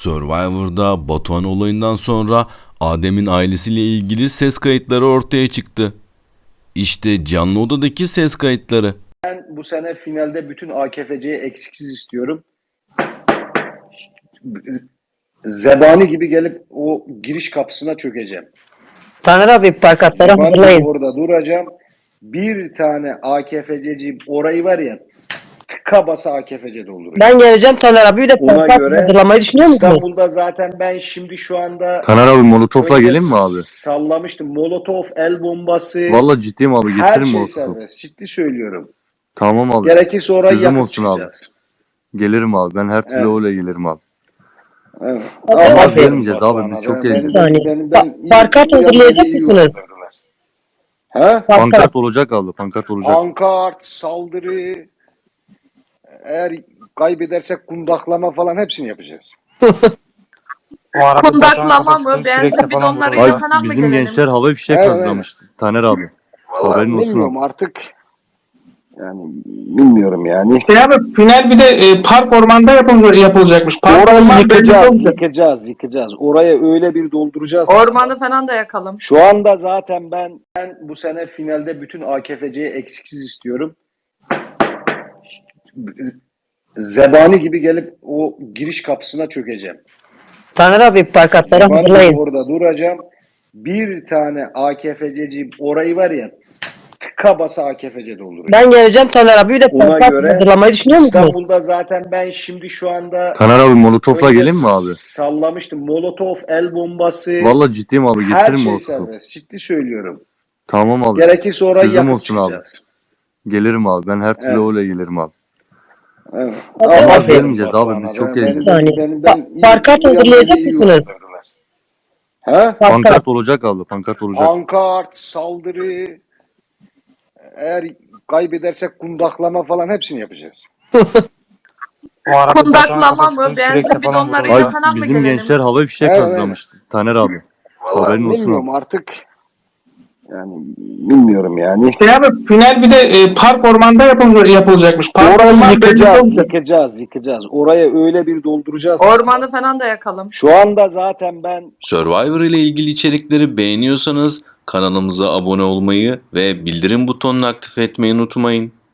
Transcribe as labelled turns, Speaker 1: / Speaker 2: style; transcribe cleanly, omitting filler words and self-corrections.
Speaker 1: Survivor'da Batuhan olayından sonra Adem'in ailesiyle ilgili ses kayıtları ortaya çıktı. İşte canlı odadaki ses kayıtları.
Speaker 2: Ben bu sene finalde bütün AKFC'yi eksiksiz istiyorum. Zebani gibi gelip o giriş kapısına çökeceğim.
Speaker 3: Taner abi parkatları
Speaker 2: Zebani gibi
Speaker 3: hazırlayın.
Speaker 2: orada duracağım. Bir tane AKFC'ci orayı var ya, tıka basa AKFC dolduracağım.
Speaker 3: Ben geleceğim Taner abi, bir de
Speaker 2: Ona
Speaker 3: parkat
Speaker 2: göre
Speaker 3: hazırlamayı düşünüyor musunuz?
Speaker 2: İstanbul'da zaten ben şimdi şu anda
Speaker 4: Taner abi molotofla
Speaker 2: önce
Speaker 4: gelin mi abi?
Speaker 2: sallamıştım. Molotov, el bombası,
Speaker 4: Vallahi ciddiyim abi,
Speaker 2: her
Speaker 4: getirin
Speaker 2: şey
Speaker 4: molotofu.
Speaker 2: serbest. Ciddi söylüyorum.
Speaker 4: Tamam abi.
Speaker 2: Gerekirse orayı
Speaker 4: Sözüm
Speaker 2: yakıp
Speaker 4: olsun abi.
Speaker 2: çıkacağız.
Speaker 4: Gelirim abi. Ben her türlü
Speaker 2: Evet.
Speaker 4: öyle gelirim abi.
Speaker 2: Evet.
Speaker 3: Ama
Speaker 2: Aferin
Speaker 4: gelmeyeceğiz abi,
Speaker 2: Batuhan'a.
Speaker 4: biz çok
Speaker 2: Ben-
Speaker 4: eğleneceğiz.
Speaker 3: Parkat
Speaker 2: iyi
Speaker 3: hazırlayacak
Speaker 2: iyi
Speaker 3: mısınız?
Speaker 2: uyandırdılar. He?
Speaker 4: Pankart olacak abi. Pankart olacak.
Speaker 2: Pankart, saldırı, eğer kaybedersek kundaklama falan hepsini yapacağız.
Speaker 5: Kundaklama mı? Benzin bidonlarıyla
Speaker 4: Ay,
Speaker 5: falan mı
Speaker 4: bizim
Speaker 5: gelelim?
Speaker 4: gençler havai fişek
Speaker 2: Evet,
Speaker 4: hazırlamış. Taner abi.
Speaker 2: Vallahi
Speaker 4: Haberin olsun
Speaker 2: bilmiyorum
Speaker 4: abi.
Speaker 2: artık. Yani bilmiyorum yani.
Speaker 6: Abi final bir de park ormanda yapılacakmış. Park
Speaker 2: Orayı
Speaker 6: orman
Speaker 2: yıkacağız. Oraya öyle bir dolduracağız.
Speaker 5: Ormanı falan da yakalım.
Speaker 2: Şu anda zaten ben bu sene finalde bütün AKFC'yi eksiksiz istiyorum. Zebani gibi gelip o giriş kapısına çökeceğim.
Speaker 3: Taner abi parkatları
Speaker 2: Zebani gibi
Speaker 3: hazırlayın.
Speaker 2: orada duracağım. Bir tane AKFC'ci orayı var ya, tıka basa AKFC dolduracağım.
Speaker 3: Ben geleceğim Taner abi, bir de
Speaker 2: Ona
Speaker 3: parkat
Speaker 2: göre
Speaker 3: hazırlamayı düşünüyor musunuz?
Speaker 2: İstanbul'da zaten ben şimdi şu anda
Speaker 4: Taner abi molotofla
Speaker 2: önce
Speaker 4: gelin mi abi?
Speaker 2: sallamıştım. Molotov, el bombası,
Speaker 4: Vallahi ciddiyim abi,
Speaker 2: her
Speaker 4: getirin
Speaker 2: şey
Speaker 4: molotofu.
Speaker 2: serbest. Ciddi söylüyorum.
Speaker 4: Tamam abi.
Speaker 2: Gerekirse orayı
Speaker 4: Sözüm
Speaker 2: yakıp
Speaker 4: olsun abi.
Speaker 2: çıkacağız.
Speaker 4: Gelirim abi. Ben her türlü
Speaker 2: Evet.
Speaker 4: öyle gelirim abi.
Speaker 2: Evet.
Speaker 3: Ama
Speaker 2: Aferin
Speaker 4: gelmeyeceğiz
Speaker 2: Batuhan'a.
Speaker 4: abi, biz çok
Speaker 2: Ben-
Speaker 4: eğleneceğiz.
Speaker 3: Parkat hazırlayacak
Speaker 2: iyi
Speaker 3: mısınız?
Speaker 2: uyandırdılar. He?
Speaker 4: Pankart olacak abi. Pankart olacak.
Speaker 2: Pankart, saldırı, eğer kaybedersek kundaklama falan hepsini yapacağız.
Speaker 5: Kundaklama mı? Benzin bidonlarıyla
Speaker 4: Ay,
Speaker 5: falan mı
Speaker 4: bizim
Speaker 5: gelelim?
Speaker 4: gençler havai fişek
Speaker 2: Evet,
Speaker 4: hazırlamış. Taner abi.
Speaker 2: Vallahi
Speaker 4: Haberin olsun
Speaker 2: bilmiyorum
Speaker 4: abi.
Speaker 2: artık. Yani bilmiyorum yani.
Speaker 6: Abi final bir de park ormanda yapılacakmış. Park
Speaker 2: Orayı
Speaker 6: orman
Speaker 2: yıkacağız. Oraya öyle bir dolduracağız.
Speaker 5: Ormanı falan da yakalım.
Speaker 2: Şu anda zaten ben
Speaker 1: Survivor ile ilgili içerikleri beğeniyorsanız kanalımıza abone olmayı ve bildirim butonunu aktif etmeyi unutmayın.